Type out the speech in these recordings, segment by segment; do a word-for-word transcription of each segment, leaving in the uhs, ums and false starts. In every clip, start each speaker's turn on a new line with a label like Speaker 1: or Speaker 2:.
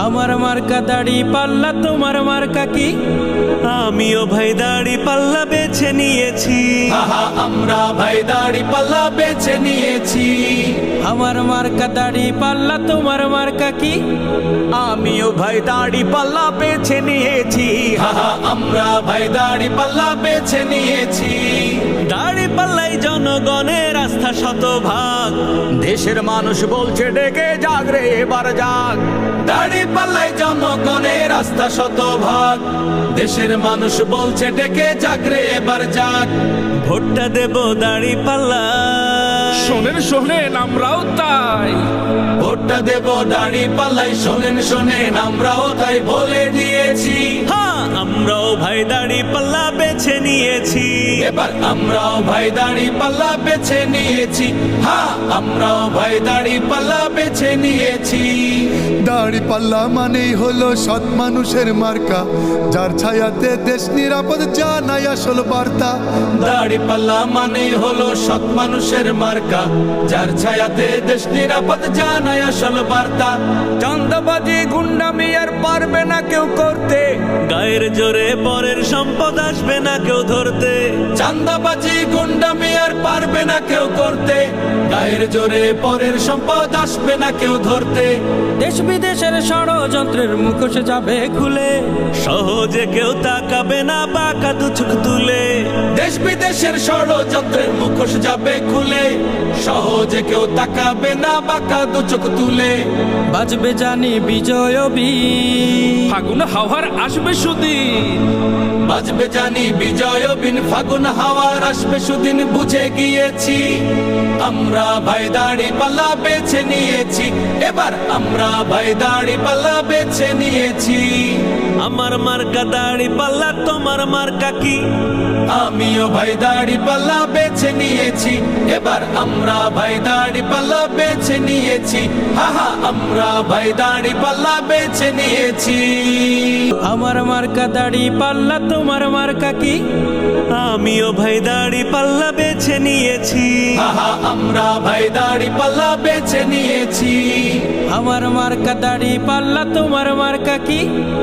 Speaker 1: আমার মার্কা দাড়ি পাল্লা, তোমার মার্কা কি?
Speaker 2: আমিও ভাই দাড়ি পাল্লা বেছে নিয়েছি।
Speaker 3: আহা আমরা ভাই দাড়ি পাল্লা বেছে নিয়েছি।
Speaker 1: আমার মার্কা দাড়ি পাল্লা, তোমার মার্কা কি?
Speaker 2: আমিও ভাই দাড়ি পাল্লা বেছে নিয়েছি।
Speaker 3: আহা আমরা ভাই দাড়ি পাল্লা বেছে নিয়েছি।
Speaker 2: দাড়ি পাল্লাই জনগণের আস্থা শতভাগ। দেশের মানুষ বলছে ডেকে জাগরে এবার জাগ।
Speaker 3: দাড়ি পাল্লাই জনগণের আস্থা শতভাগ। দেশের মানুষ বলছে ডেকে জাগরে এবার জাগ।
Speaker 2: ভোটটা দেব দাড়ি পাল্লা।
Speaker 4: শোনেন শোনেন আমরাও তাই,
Speaker 3: ভোটটা দেব দাড়ি পাল্লাই। শোনেন শোনেন আমরাও তাই বলে দিয়েছি।
Speaker 2: হ্যাঁ আমরাও ভাই দাড়ি পাল্লা বেছে নিয়েছি।
Speaker 3: এবার আমরাও ভাই দাড়ি পাল্লা বেছে নিয়েছি। হ্যাঁ আমরাও ভাই দাড়ি পাল্লা বেছে নিয়েছি।
Speaker 5: দাড়ি পাল্লা মানেই হলো সৎ মানুষের মার্কা, যার ছায়াতে দেশ নিরাপদ জানাই আসল বার্তা।
Speaker 3: দাড়ি পাল্লা মানেই হলো সৎ মানুষের মার্কা, যার ছায়াতে দেশ নিরাপদ জানাই আসল বার্তা।
Speaker 2: চাঁদাবাজি গুন্ডামি আর পারবে না কেউ করতে। গায়ের জোরে পরের সম্পদ আসবে না কেউ ধরতে।
Speaker 3: চাঁদাবাজি গুন্ডামি আর পারবে না কেউ করতে। গায়ের জোরে পরের সম্পদ আসবে না কেউ ধরতে।
Speaker 1: দেশ বিদেশের ষড়যন্ত্রের মুখোশ যাবে খুলে।
Speaker 2: সহজে কেউ তাকাবে না বাঁকা দু চোখ তুলে।
Speaker 3: দেশ বিদেশের ষড়যন্ত্রের মুখোশ যাবে খুলে। সহজে কেউ তাকাবে না বাঁকা দু চোখ তুলে।
Speaker 1: বাজবে জানি বিজয় বীর,
Speaker 4: ফাগুন হাওয়ার আসবে সুদিন।
Speaker 3: বাজবে জানি বিজয় বিন, ফাগুন হাওয়ার আসবে সুদিন বুঝে গিয়েছি। আমরা ভাই দাড়ি পাল্লা বেছে নিয়েছি। এবার আমরা ভাই দাড়ি পাল্লা বেছে নিয়েছি।
Speaker 2: আমার মার্কা দাড়ি পাল্লা, তোমার মার্কা কি?
Speaker 3: আমিও ভাই দাড়ি পাল্লা বেছে নিয়েছি। এবার আমরা ভাই দাড়ি পাল্লা বেছে নিয়েছি। হাহা আমরা ভাই দাড়ি পাল্লা বেছে নিয়েছি।
Speaker 1: আমার মার্কা দাড়ি পাল্লা, তোমার মার্কা কি?
Speaker 2: আমিও ভাই দাড়ি পাল্লা বেছে নিয়েছি।
Speaker 3: হাহা আমরা ভাই দাড়ি পাল্লা বেছে নিয়েছি।
Speaker 1: আমার মার্কা দাড়ি পাল্লা, তোমার মার্কা কি?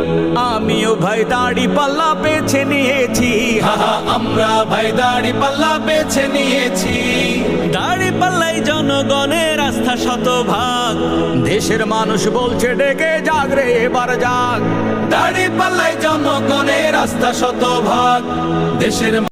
Speaker 2: আমিও ভাই দাড়ি পাল্লা বেছে নিয়েছি।
Speaker 3: হাহা আমরা ভাই দাড়ি পাল্লা বেছে নিয়েছি।
Speaker 2: দাড়ি পাল্লাই জনগণের আস্থা শতভাগ। দেশের মানুষ বলছে ডেকে জাগরে এবার জাগ।
Speaker 3: দাড়ি পাল্লাই জনগণের আস্থা শতভাগ। দেশের